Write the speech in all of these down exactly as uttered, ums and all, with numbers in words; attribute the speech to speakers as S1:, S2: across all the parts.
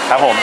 S1: ครับผม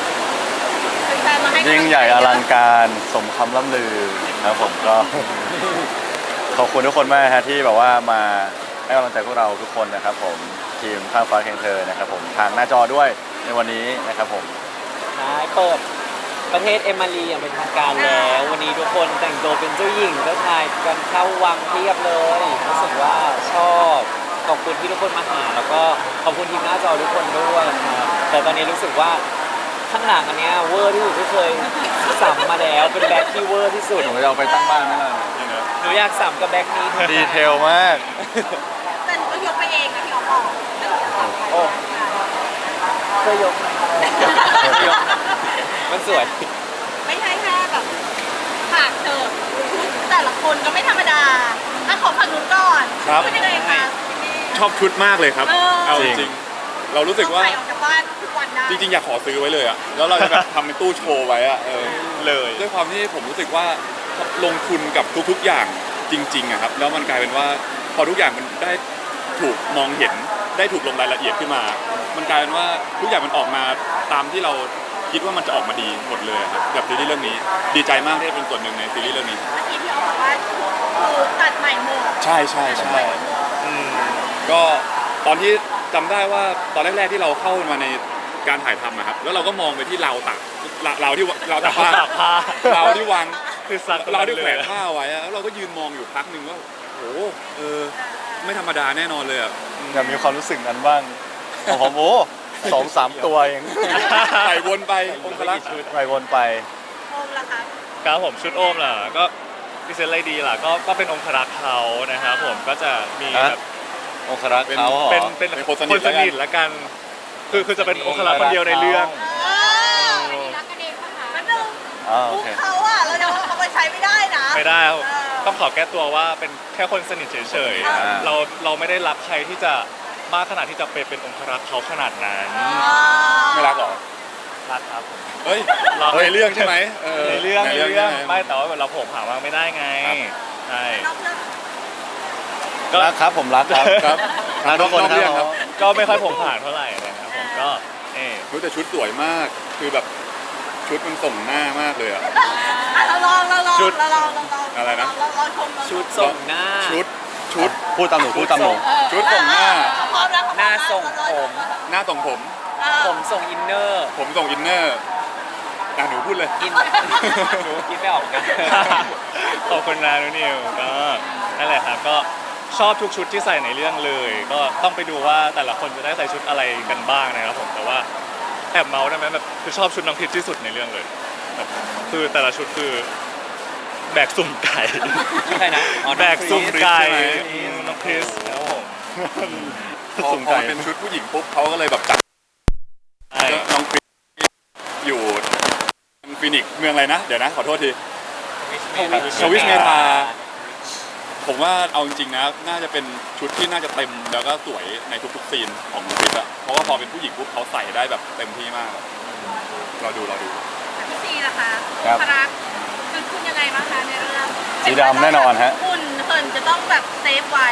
S1: ยิ่งใหญ่อลังการสมคำล่ำลือครับผมก็ ขอบคุณทุกคนมากฮะที่แบบว่ามาให้กำลังใจพวกเราทุกคนนะครับผมทีมข้ามฟ้าแข่งเธอนะครับผมทางหน้าจอด้วยในวันนี้นะครับผม
S2: ใช่เปิดประเทศเอมารีอย่างเป็นทางการแล้ววันนี้ทุกคนแต่งตัวเป็นเจ้าหญิงเจ้าชายกันเข้าวังเทียบเลยรู้สึกว่าชอบขอบคุณที่ทุกคนมาหาแล้วก็ขอบคุณทีมหน้าจอทุกคนด้วยครับแต่ตอนนี้รู้สึกว่าข้างหลังอันเนี้ยเวอร์ที่สุดที่เคยสัมมาแล้วเป็นแบ็คที่เวอร์ที่สุด
S1: หนูจะเอาไปตั้งบ้านไหมล่ะ
S2: หนูอยากสัมกับแบ็คนี้
S1: ดีเทลมาก
S3: แต่หนูก็ยกไปเองนะพี่อ๋อมบอก
S2: โอ้เคยยกยกมันสวย
S3: ไม่ใช่แค่แบบฉากเธอชุดแต่ละคนก็ไม่ธรรมดาถ้าขอฝั่งนู้นก่อน
S4: ครับ
S3: พูดยังไงคะ
S4: ชอบชุดมากเลยครับ
S3: เออ
S4: เอา
S1: จ
S4: จ
S1: ริง
S4: ริงๆเรารู้สึกว่า
S3: ใส่ออกจากบ้านทุกวันได้
S4: จริงๆอยากขอซื้อไว้เลยอะแล้วเราจะแบบทำเป็นตู้โชว์ไว้อะเออเลยด้วยความที่ผมรู้สึกว่าลงทุนกับทุกๆอย่างจริงๆอะครับแล้วมันกลายเป็นว่าพอทุกอย่างมันได้ถูกมองเห็นได้ถูกลงรายละเอียดขึ้นมา มันกลายเป็นว่าทุกอย่างมันออกมาตามที่เราคิดว่ามันจะออกมาดีหมดเลยครับกับซีรีส์เรื่องนี้ดีใจมากที่ได้เป็นส่วนหนึ่งในซีรีส์เรื่องนี้
S3: เมื่อกี้พี่อ๋อมบอกว่าคือตัดใหม่หมด
S4: ใช่ใช่ใช่อืมก็ตอนที่จำได้ว่าตอนแรกๆที่เราเข้ามาในการถ่ายทำนะครับแล้วเราก็มองไปที่ราวตากราวที่ราวตากผ้า
S2: ตากผ้าร
S4: าวที่วาง
S2: คือซัก
S4: ราวที่แขวนผ้าไว้อะแล้วเราก็ยืนมองอยู่พักหนึ่งว่าโอ้โหเออไม่ธรรมดาแน่นอนเลยอ่ะ
S1: อยากมีความรู้สึกนั้นบ้างของผมโอ้สองสามตัวเอง
S4: ใส่วนไปองคลักษ์
S1: ไปวนไป
S3: โอมล่ะคะ
S5: ครับผมชุดโอมล่ะก็พิเศษอะไรดีล่ะก็ก็เป็นองครักษ์เขานะครับผมก็จะมี
S1: ฮะ
S5: แบบ
S1: องครักษ์เขาเหรอ
S5: เป็นเป็น
S4: เป็นคนส
S5: ค
S4: นิ
S5: น
S4: ท
S5: ส
S4: แล้วกัน
S5: นิทละกัน คือคือจะเป็นองครักษ์คนเดียวในเรื่อง
S3: เออไม่ได้รักกันเองป่ะคะมันดู
S1: อ๋อโอ
S3: มุก
S1: เค
S3: เขาอะเราจะเอาไปใช้ไม่ได้นะ
S5: ไม่ได้ครับ
S3: เออ
S5: ต้องขอแก้ตัวว่าเป็นแค่คนสนิทเฉย
S3: อ่า
S5: ๆเราเราไม่ได้รักใครที่จะมากขนาดที่จะเป็นเป็นองครักษ์เขาขนาดนั้น
S4: ไม่รักหรอ
S5: รักครับ
S4: เฮ้ย
S5: เรา
S4: ในเรื่องใช่ไหม
S5: ในเรื่องในเรื่อง
S4: ใช่ห
S5: ไม่แต่ว่าเราโผล่ผ่าว่างไม่ได้ไง
S4: ครับ
S5: ใช่
S3: นอกเรื่อง
S5: ก็
S1: รักครับผมรักครับ
S4: ครับ
S1: รักทุกคน
S4: นอกเรื่อง
S1: ค
S4: ค
S1: รั
S4: รับ บ
S5: ก็ไม่ค่อยโผล่ผ่านเท่าไหร่นะครับผมก็เออ
S4: รู้แต่ชุดสวยมากคือแบบชุดมันส่งหน้ามากเลยอ่ะ
S3: อ่ะเราลองเราลอง
S4: ชุด
S3: เราลองเราลอง
S4: อะไรนะ
S3: เราลองชมเราชม
S2: ชุดส่งหน้า
S4: ชุดชุด
S1: พูดตามหนูพูดตามหนู
S3: เออ
S4: ชุดส่งหน้า
S3: เขาพร้อมแล้วเขพร้อม
S2: หน้า
S3: แล้ว
S2: ส่ง
S3: เรา
S2: ผม
S4: หน้าส่งผม
S3: เออ
S2: ผมส่งอินเนอร์
S4: ผมส่งอินเนอร์อ่ะหนูพูดเลย
S2: อินหนูคิดไม่ออกนะ
S5: ขอบคุณนะนุนิวก็นั่นแหละครับก็ชอบทุกชุดที่ใส่ในเรื่องเลย ก็ต้องไปดูว่าแต่ละคนจะได้ใส่ชุดอะไรกันบ้างนะครับผมแต่ว่าแอบเมาส์ได้ไหมแบบคือชอบชุดน้องพิชที่สุดในเรื่องเลยแบบคือแต่ละชุดคือแบกสุ่มไก่
S2: ใช่นะอ๋อ
S5: แบกสุ่มไก่
S4: ใช่ไหม
S5: อืมน้องคริสครับผม
S4: พอ
S1: สุ่ม
S4: พอ
S1: ไก่
S4: เป็นชุดผู้หญิงปุ๊บเขาก็เลยแบบจับ
S5: ใช่
S4: น้องคริสอยู่ฟินิกซ์เมืองอะไรนะ เดี๋ยวนะขอโทษที ชวิชเมธา ผมว่าเอาจริงๆนะน่าจะเป็นชุดที่น่าจะเต็มแล้วก็สวยในทุกๆซีนของน้องคริสอะเพราะว่าพอเป็นผู้หญิงปุ๊บเขาใส่ได้แบบเต็มที่มากเราดูเราดู
S3: พี่ซีล่ะคะ
S1: ครับ
S3: พรักคือคุณยังไงบ้างคะในเรื่อง
S1: สีดำแน่นอนฮะ
S3: คุณเหินจะต้องแบบเซฟไว้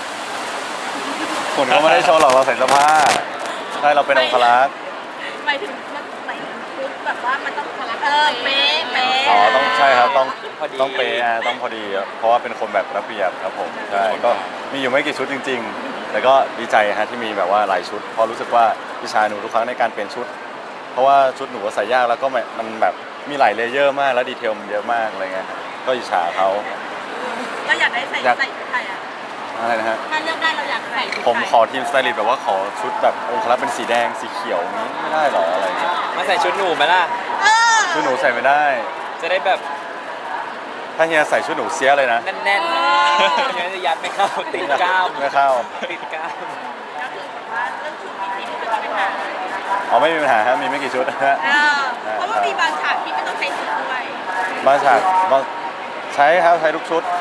S1: คนก็ไม่ได้โชว์หรอกเราใส่เสื้อผ้าใช่เราเป็นองครักษ์
S3: หมายถึงมันหมายถึงชุดแบบว่ามันต้องพลักเออเป๊ะเป๊ะ
S1: อ๋อต้องใช่ครับต้อง
S2: พอดี
S1: ต้องเปย์อ่ะต้องพอดีครับเพราะว่าเป็นคนแบบระเบียบครับผมใช่ก็มีอยู่ไม่กี่ชุดจริง ๆ แต่ก็ดีใจฮะที่มีแบบว่าหลายชุดเพราะรู้สึกว่าพี่ชายหนูทุกครั้งในการเปลี่ยนชุด เพราะว่าชุดหนูก็ใส่ยากแล้วก็มันมันแบบมีหลายเลเยอร์มากแล้วดีเทลมันเยอะมากอะไรเงี้ยก็อิจฉาเขา
S3: เราอยากได้ใส่
S1: อยาก
S3: ใส่ชุดไทยอ่ะ
S1: อะไรนะฮะ
S3: ถ้าเลือกได้เราอยากใส่ชุดไทย
S1: ผมขอทีมสไตลิสต์แบบว่าขอชุดแบบองครักษ์เป็นสีแดงสีเขียวอย่างนี้ไม่ได้หรออะไรเงี้ย
S2: มาใส่ชุดหนูไหมล่ะ
S3: เออ
S1: ชุดหนูใส่ไม่ได้
S2: จะได้แบบ
S1: ถ้าเฮียใส่ชุดหนูเสียเลยนะ
S2: แน่นๆไม่งั้นจะยัดไม่เข้าติดกล้าม
S1: ไม่เข้า
S2: ติดกล้าม
S3: ก็คือแบบว่าเรื่องชุดพี่ซีไม่เป็นปัญหา
S1: อ๋อไม่มีปัญหาฮะมีไม่กี่ชุดฮะ
S3: เออเพราะว่ามีบางฉากที่ไม่ต้องใช้ชุดด้วย
S1: บางฉากบางใช้ครับใช้ทุกชุด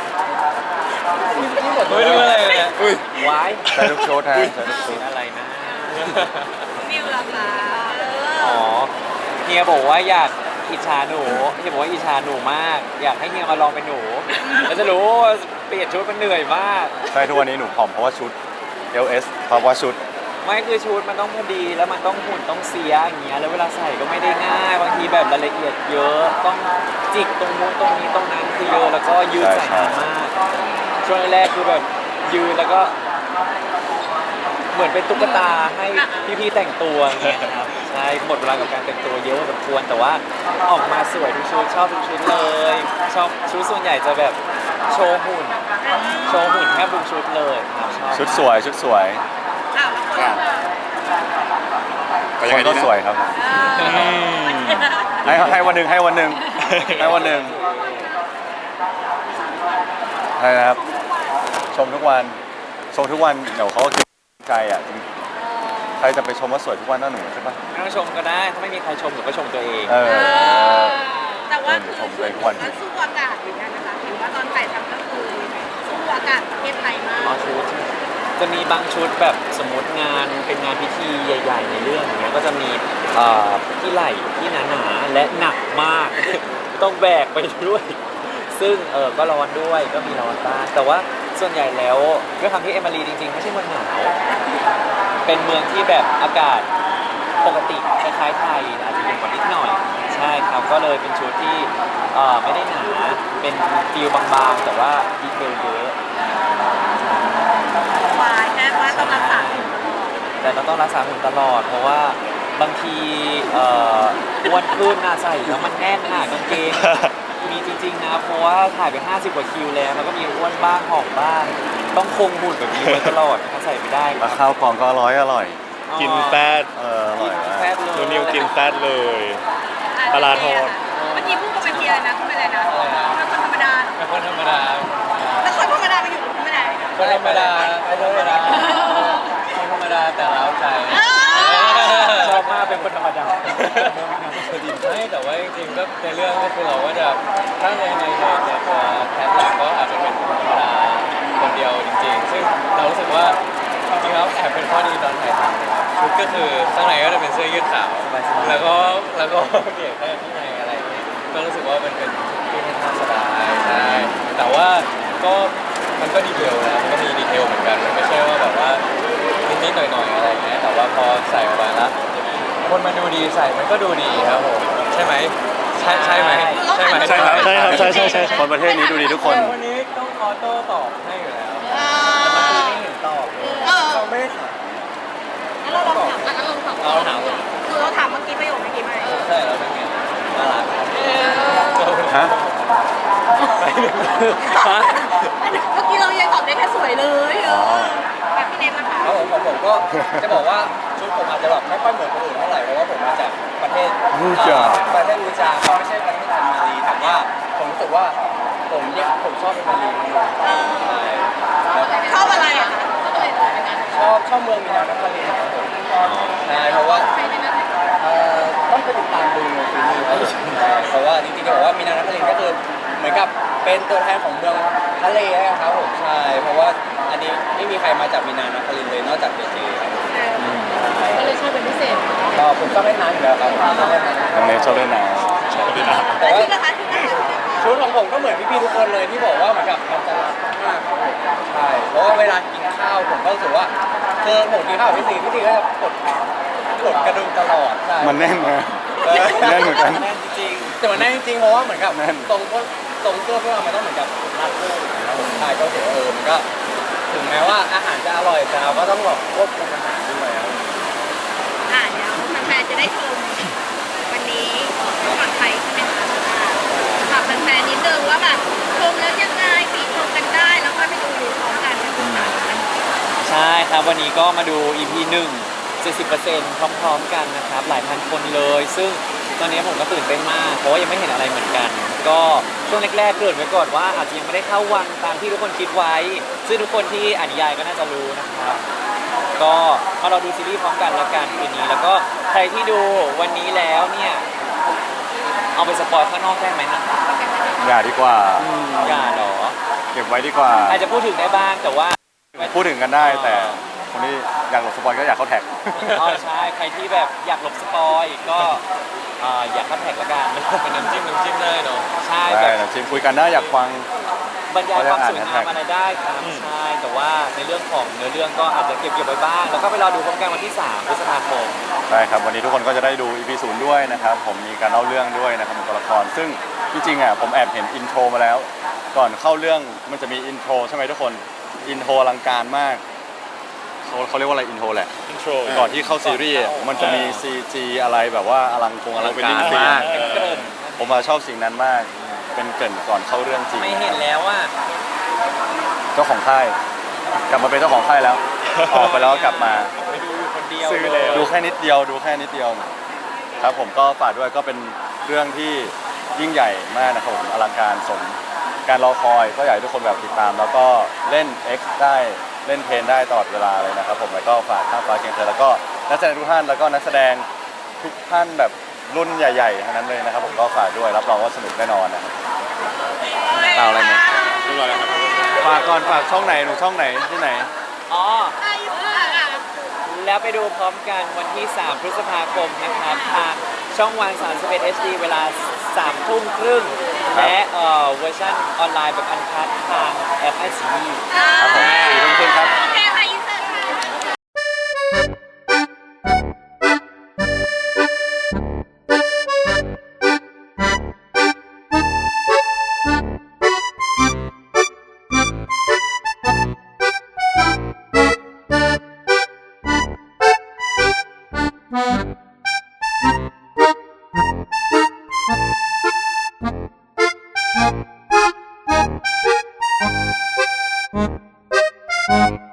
S2: ไม่รู้อะไรเลย
S4: อุ้ย
S2: วาย
S1: ใช้ทุกชุดฮะใช้ทุกชุด
S2: อะไรนะ
S3: วิวล่ะคะเอ
S2: อ๋อ
S3: อ
S2: เฮียบอกว่าอยากอิจฉาหนูเฮียบอกว่าอิจฉาหนูมาก อยากให้เฮียมาลองเป็นหนูแล้วจะรู้ว่าเปลี่ยนชุดมันเหนื่อยมาก
S1: ใช่ทุกวันนี้หนูผอมเพราะว่าชุด เอล เอส เพราะว่าชุด
S2: ไม่คือชุดมันต้องพอดีแล้วมันต้องหุ่นต้องเสียอย่างเงี้ยแล้วเวลาใส่ก็ไม่ได้ง่ายบางทีแบบรายละเอียดเยอะต้องจิกตรงนู้นตรงนี้ตรงนั้นคือเยอะแล้วก็ยืดใส่นานมากช่วงแรกๆคือแบบยืนแล้วก็ เหมือนเป็นตุ๊กตาให้พี่ๆแต่งตัวอย่างเงี้ยครับใช่หมดเวลากับการแต่งตัวเยอะพอสมควรแต่ว่าออกมาสวยทุกชุดชอบทุกชุดเลยชอบชุดส่วนใหญ่จะแบบโชว์หุ่นโชว์หุ่นแทบทุกชุดเลยครับชอบ
S1: ชุดสวยชุดสวย
S3: อ้าวแล้วคน
S4: ไป
S1: ค
S4: ยังไง
S1: น
S4: ดี
S1: ก็
S4: นะ
S1: สวยครับผม
S3: เออ
S1: ให้ให้วันหนึ่งให้วันหนึ่งให้วันหนึ่งใช่นะครับ ชมทุกวันชมทุกวันเดี๋ยวเขาก็คิดใจอ่ะจริงใครจะไปชมว่าสวยทุกวันน่าหนูใช่ปะ
S2: ไม่ต้องชมก็ได้ถ้าไม่มีใครชมหนูก็ชมตัวเอง
S1: เอ
S3: เอ
S1: อ
S3: อแต่ว่าคือ
S1: ชม
S3: ชุ
S1: เล
S3: ด
S1: ยทุ
S3: ผ
S1: กวั
S3: ม
S1: น
S3: ก็สู้อากาศเหมือนกันนะคะเห็นว่าตอนถ่ายทำก็คือสู้อากาศประเทศไทยมาก
S2: อ๋อชุดจะมีบางชุดแบบสมมติงานเป็นงานพิธีใหญ่ ๆ ในเรื่องอย่างเงี้ยก็จะมีเอ่อที่ไหล่ที่หนาๆและหนักมาก ต้องแบกไปด้วย ซึ่งเออก็ร้อนด้วยก็มีร้อนบ้างแต่ว่าส่วนใหญ่แล้วด้วยความที่เอมิลีจริงๆไม่ใช่เมืองหนาว เป็นเมืองที่แบบอากาศปกติคล้ายๆไทยอาจจะเย็นกว่านิดหน่อย ใช่ครับก็เลยเป็นชุดที่เอ่อไม่ได้หนาเป็นฟิลบางๆ แต่ว่าดีเทลเยอะ
S3: วายแค่ว่าต้องรักษาหุ่นตลอด
S2: แต่เราต้องรักษาหุ่นตลอด เพราะว่าบางทีเอ่ออ้วนขึ้นน่ะใส่แล้วมันแน่นหนากางเกง มีจริงๆนะเพราะว่าถ่ายไปห้าสิบกว่าคิวแล้วมันก็มีอ้วนบ้างหอมบ้าง ต้องคงหุ่นแบบนี้ไว้ตลอดถ้าใส่ไม่ได้ค
S1: แล้
S2: รั
S1: ว
S2: บ
S1: ข้าวกล่องก็อร่อยอร่อย
S5: กินแฟต
S1: เอออร่อย
S2: กิน
S1: มาก
S2: แฟตเลย
S5: นูนิวกินแฟตเลย
S3: อ่ะ
S5: ปลาร้าทอด
S3: เมื่อกี้พูดกับเป็นเทียนะพูดไปเลยนะเป็นคนธรรมดา
S2: เป็นคนธรรมดา
S3: แล้วคนธรรมดาไปอยู่กับคุณไม่ได้
S2: คนธรรมดาคนธรรมดาคนธรรมดาแต่เล้าใจ ชอบมากเป็นคนธรรมดาไม่แต่ว่าจริงๆก็ในเรื่องก็คือเราก็จะถ้าในในในในตัวแคทหลักก็อาจจะเป็นคนธรรมดาคนเดียวจริงๆ ซึ่งเรารู้สึกว่าจริงๆแล้วแอบเป็นข้อดีตอนถ่ายทำนะครับชุดก็คือข้างในก็จะเป็นเสื้อยืดขาวแล้วก็แล้วก็เปลี่ยนแค่ข้างในอะไรอย่างเงี้ยก็รู้สึกว่ามันเป็นที่ค่อนข้างสบายใช่แต่ว่าก็มันก็ดีเทลนะมันก็มีดีเทลเหมือนกันมันไม่ใช่ว่าแบบว่านิดๆหน่อยๆอะไรอย่างเงี้ยแต่ว่าพอใส่ออกมาแล้ว คนมันดูดีใส่มันก็ดูดีครับผมใช่ไหมใช่ใช่ไหมใช่ไหม
S5: ใช่ครับใช่ครับใช่ใช่ใช่
S1: คนประเทศนี้ดูดีทุกคน
S2: แต่วันนี้ต้องออโต้ตอบให้อยู่แล้ว
S3: อ่า
S2: แต่เมื่อกี้ไม่เห็นตอบเลย
S3: เออ
S2: เขาไม่ได้ถาม
S3: งั้นเราลองถามงั้นเราลองถาม
S2: เราถาม
S3: คือเราถามเมื่อกี้ประโยคเมื่อกี้ไหม
S2: ใช่แล้วเป็นไงน่ารัก
S1: ฮะ
S2: ฮะ
S3: เมื่อกี้เรายังตอบได้แค่สวยเลยเออแบบพี่เนมนะคะ
S2: ครับผมของผมก็จะบอกว่าชุดผมอาจจะแบบไม่ค่อยเหมือนคนอื่นเท่าไหร่เพราะว่าผมมาจากประเทศ
S1: รูจา
S2: ประเทศรูจาไม่ใช่ประเทศแอนมารีแต่ว่าผมรู้สึกว่าผมเนี่ยผมชอบเป็นมารีใช่แล้ว
S3: ชอบอะไรอะคะชอบอะไรเลยเป็นกัน
S2: ชอบชอบเมืองมีนานครินทร์ครับผมใช่เพราะว่า
S3: ใครในนั้น
S2: เอ่อต้องไปติดตามดูในซีรีส์ครับผมใช่เพราะว่าจริงๆจะบอกว่ามีนานครินทร์ก็คือเหมือนกับเป็นตัวแทนของเมืองทะเลนะครับผมใช่เพราะว่าอันนี้ไม่มีใครมาจากมีนานครินทร์เลยนอกจากเจเจครับผม
S3: ก็เลยชอบเป็นพิเศษ
S2: ก็ผมชอบเล่นน้ำอยู่แล้วครับผมชอบเล่นน้ำ
S1: น้องเนทชอบเล่นน้
S2: แต่
S3: แล้ว
S2: ว่า
S3: ชุดนะคะชุดนะคะ
S2: ชุดของผมก็เหมือนพี่ๆทุกคนเลยที่บอกว่าเหมือนกับมันจะรัดมากครับผมใช่เพราะว่าเวลากินข้าวผมก็รู้สึกว่าคือผมกินข้าวกับพี่ซีพี่ซีก็จะกดกดกระดุมตลอดใช่
S1: ำมันแน่นนะ
S2: เออ
S1: แน่นเหมือนกัน
S2: แน่นจริงๆแต่มันแน่นจริงๆเพราะว่าเหมือนกับ
S1: แน่น
S2: ตรงพวกตรงเสื้อพวกเรามันต้องเหมือนกับรัดรูปนะครับผมใช่ก็ถือว่าเออมันก็ถึงแม้ว่าอาหารจะอร่อยแต่เราก็ต้องแบบควบคุมอาหารด้วยครับ
S3: อ่าเดี๋ยวแฟนๆจะได้ชมวันนี้ก่อนไทยใช่ไหมคะฝากแฟนๆนิดนึงว่าแบบชมแล้วยังไงปีชมกันได้แล้วค่อยไปดูพร้อมกันนะคุณค่ะ
S2: ใช่ครับวันนี้ก็มาดู อี พี หนึ่ง เจ็ดสิบเปอร์เซ็นต์ พร้อมๆกันนะครับหลายพันคนเลย ซึ่งตอนนี้ผมก็ตื่นเต้นมากเพราะว่ายังไม่เห็นอะไรเหมือนกัน ก็ช่วงแรกๆเกริ่นไว้ก่อนว่าอาจจะยังไม่ได้เข้าวังตามที่ทุกคนคิดไว้ ซึ่งทุกคนที่อ่านนิยายก็น่าจะรู้นะครับ ก็มาเราดูซีรีส์พร้อมกันแล้วกันคืนนี้ แล้วก็ใครที่ดูวันนี้แล้วเนี่ยเอาไปสปอยข้างนอกได้ไหมนะ
S1: อย่าดีกว่า
S2: อย่าเหรอ
S1: เก็บไว้ดีกว่า
S2: อาจจะพูดถึงได้บ้างแต่ว่า
S1: พูดถึงกันได้แต่คนที่อยากหลบสปอยก็อยากเข้าแท็ก
S2: อ๋อใช่ใครที่แบบอยากหลบสปอยก็อ่าอยากเข้าแท็กละกันเป็นน้ำจิ้มน้ำจิ้มได้เนาะใช่แบ
S1: ได้
S2: บ
S1: นะจิมคุยกันได้อยากฟัง
S2: บรรยายความสวย
S1: เขาจะ
S2: งา
S1: อ่าม น
S2: อะไรได้ครับใช่แต่ว่าในเรื่องของเนื้อเรื่องก็อาจจะเก็บเก็บไว้บ้างแล้วก็ไปรอดูพร้อมกันวันที่สามพฤษภาคม
S1: ใช่ครับวันนี้ทุกคนก็จะได้ดู อี พี ศูนย์ด้วยนะครับผมมีการเล่าเรื่องด้วยนะครับของตัวละครซึ่งจริงๆอ่ะผมแอบเห็นอินโทรมาแล้ว ก่อนเข้าเรื่องมันจะมีอินโทรใช่ไหมทุกคนอินโทรอลังการมากเขาเขาเรียกว่าอะไรอินโทรแหละ
S5: อินโทร
S1: ก่อนที่เข้าซีรีส์อะมันจะมี ซี จี อะไรแบบว่าอลังกงอลังการมาก
S2: เป็นเกริ่น
S1: ผมมาชอบสิ่งนั้นมาก เป็นเกริ่นก่อนเข้าเรื่องจริง
S2: ไม่เห็นแล้วว่า
S1: เจ้าของค่าย กลับมาเป็นเจ้าของค่ายแล้ว ออกไปแล้วก็กลับมา
S2: ไปดูอยู่คนเดียว
S5: ซื้อแล้ว
S1: ดูแค่นิดเดียวดูแค่นิดเดียว ครับผมก็ฝากด้วยก็เป็นเรื่องที่ยิ่งใหญ่มากนะครับผมอลังการสมการรอคอยก็อยากให้ทุกคนแบบติดตาม แล้วก็เล่น X ได้เล่นเพลนได้ตลอดเวลาเลยนะครับผมแล้วก็ฝากข้ามฟ้าเคียงเธอแล้วก็นักแสดงทุกท่านแล้วก็นักแสดงทุกท่านแบบรุ่นใหญ่ๆทั้งนั้นเลยนะครับผมก็ฝากด้วยรับรองว่าสนุกแน่นอนนะครับ เอาอะไรไหม
S4: เรียบร้อยแล้วครับ
S1: ฝากก่อนฝากช่องไหนหนูช่องไหนที่ไหน
S2: อ๋อ
S3: อายุอ่ะอ่ะ
S2: แล้วไปดูพร้อมกันวันที่ สาม พฤษภาคมนะครับ ทางช่องวัน สามสิบเอ็ด เอช ดี เวลา สามทุ่มครึ่ง
S1: ครับ
S2: และเอ่อเวอร์ชันออนไลน์แบบอันคัดทางแอปไอซี
S1: ครับผมสี่ทุ่มครึ่งครับ
S3: โอเคค่ะอินเสิร์ตค่ะ